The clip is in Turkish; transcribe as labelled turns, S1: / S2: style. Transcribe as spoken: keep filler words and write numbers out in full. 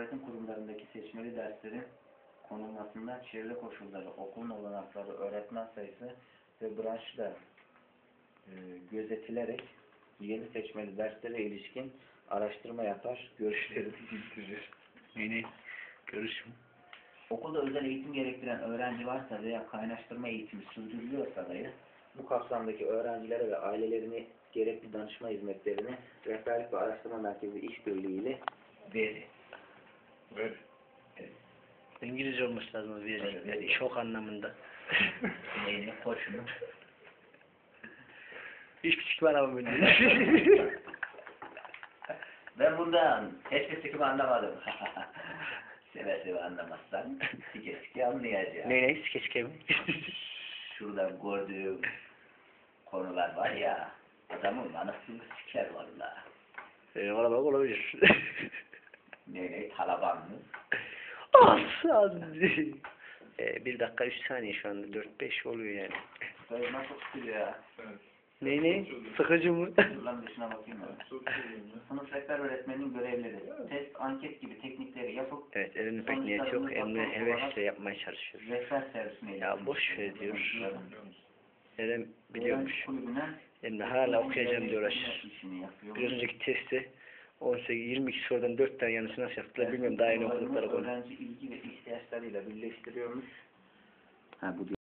S1: öğretim kurumlarındaki seçmeli derslerin konulmasında çevre koşulları, okulun olanakları, öğretmen sayısı ve branşla e, gözetilerek yeni seçmeli derslere ilişkin araştırma yapar, görüşlerini bildirir.
S2: Yeni görüşüm.
S1: Okulda özel eğitim gerektiren öğrenci varsa veya kaynaştırma eğitimi sürdürülüyorsa dahi bu kapsamdaki öğrencilere ve ailelerine gerekli danışma hizmetlerini Rehberlik ve Araştırma Merkezi İşbirliği ile verir.
S2: Ver.
S1: Evet.
S2: İngilizce olması lazım verecek.
S1: Evet,
S2: Yani
S1: evet.
S2: çok anlamında.
S1: Neyini, koşunu.
S2: Hiç küçük var ama böyle.
S1: Ben bundan hiçbir sıkımı anlamadım. Seve seve anlamazsan sike sike anlayacağım.
S2: Ne ne? Sike sike mi?
S1: Şurada gördüğüm konular var ya, adamın anasını siker valla.
S2: Benim araba olabilir.
S1: Ne ne, Taliban mı?
S2: Aslan. ee, bir dakika üç saniye şu anda. Dört beş oluyor yani.
S1: Böyle nasıl tutuyor ya?
S2: Ne ne? Sıkıcı mı?
S1: Şuradan dışına bakayım ben. Sınıf rehber öğretmenin görevleri, test, anket gibi teknikleri yapıp
S2: Evet, elinde pek niyet yok. Emre hevesle yapmaya çalışıyor.
S1: rehber servisine
S2: Ya boş ver diyor. Eren biliyormuş.
S1: Öğrenci kulübüne
S2: Emre hala okuyacağım diye uğraşır.
S1: işini yapıyor.
S2: Bir önceki testi on sekiz yirmi iki sorudan dört tane yanlışını nasıl yaptılar bilmiyorum, daha yeni okudukları konu.
S1: Öğrenci ilgi ve ihtiyaçlarıyla birleştiriyormuş. Ha bu